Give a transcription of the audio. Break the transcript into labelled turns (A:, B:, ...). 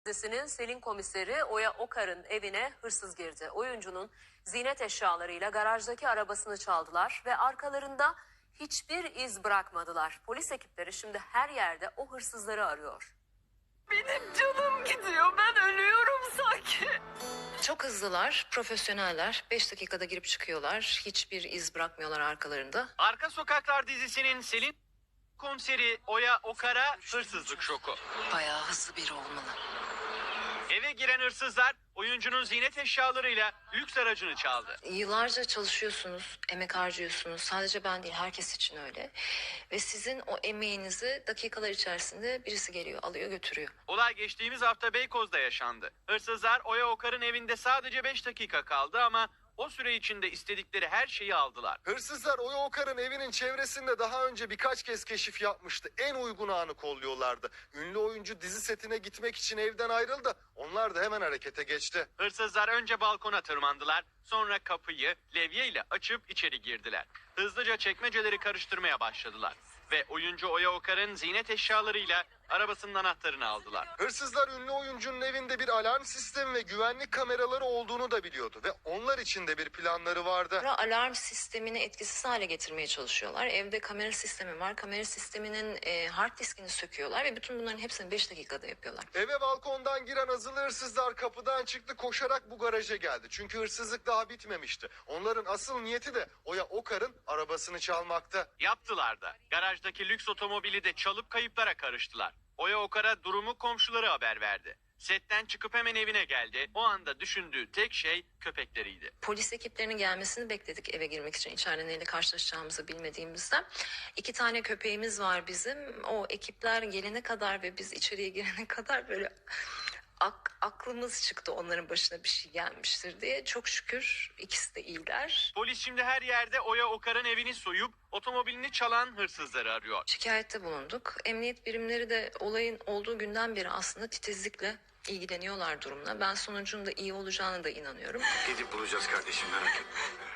A: Dizisinin Selin komiseri Oya Okar'ın evine hırsız girdi. Oyuncunun ziynet eşyalarıyla garajdaki arabasını çaldılar ve arkalarında hiçbir iz bırakmadılar. Polis ekipleri şimdi her yerde o hırsızları arıyor.
B: Benim canım gidiyor. Ben ölüyorum sanki.
C: Çok hızlılar, profesyoneller. 5 dakikada girip çıkıyorlar. Hiçbir iz bırakmıyorlar arkalarında.
D: Arka Sokaklar dizisinin Selin komiseri Oya Okar'a hırsızlık şoku.
C: Bayağı hızlı biri olmalı.
D: Eve giren hırsızlar oyuncunun ziynet eşyalarıyla lüks aracını çaldı.
C: Yıllarca çalışıyorsunuz, emek harcıyorsunuz. Sadece ben değil, herkes için öyle. Ve sizin o emeğinizi dakikalar içerisinde birisi geliyor, alıyor, götürüyor.
D: Olay geçtiğimiz hafta Beykoz'da yaşandı. Hırsızlar Oya Okar'ın evinde sadece 5 dakika kaldı ama o süre içinde istedikleri her şeyi aldılar.
E: Hırsızlar Oya Okar'ın evinin çevresinde daha önce birkaç kez keşif yapmıştı. En uygun anı kolluyorlardı. Ünlü oyuncu dizi setine gitmek için evden ayrıldı. Onlar da hemen harekete geçti.
D: Hırsızlar önce balkona tırmandılar, sonra kapıyı levyeyle açıp içeri girdiler. Hızlıca çekmeceleri karıştırmaya başladılar ve oyuncu Oya Okar'ın ziynet eşyalarıyla arabasının anahtarını aldılar.
E: Hırsızlar ünlü oyuncunun evinde bir alarm sistemi ve güvenlik kameraları olduğunu da biliyordu. Ve onlar için de bir planları vardı.
C: Alarm sistemini etkisiz hale getirmeye çalışıyorlar. Evde kamera sistemi var. Kamera sisteminin hard diskini söküyorlar ve bütün bunların hepsini 5 dakikada yapıyorlar.
E: Eve balkondan giren azılı hırsızlar kapıdan çıktı, koşarak bu garaja geldi. Çünkü hırsızlık daha bitmemişti. Onların asıl niyeti de Oya Okar'ın arabasını çalmaktı.
D: Yaptılar da. Garajdaki lüks otomobili de çalıp kayıplara karıştılar. Oya Okar'a durumu komşuları haber verdi. Setten çıkıp hemen evine geldi. O anda düşündüğü tek şey köpekleriydi.
C: Polis ekiplerinin gelmesini bekledik eve girmek için. İçeride neyle karşılaşacağımızı bilmediğimizden. 2 tane köpeğimiz var bizim. O ekipler gelene kadar ve biz içeriye girene kadar böyle aklımız çıktı, onların başına bir şey gelmiştir diye. Çok şükür ikisi de iyiler.
D: Polis şimdi her yerde Oya Okar'ın evini soyup otomobilini çalan hırsızları arıyor.
C: Şikayette bulunduk. Emniyet birimleri de olayın olduğu günden beri aslında titizlikle ilgileniyorlar durumla. Ben sonucun da iyi olacağına da inanıyorum.
F: Gidip bulacağız kardeşim, merak etme.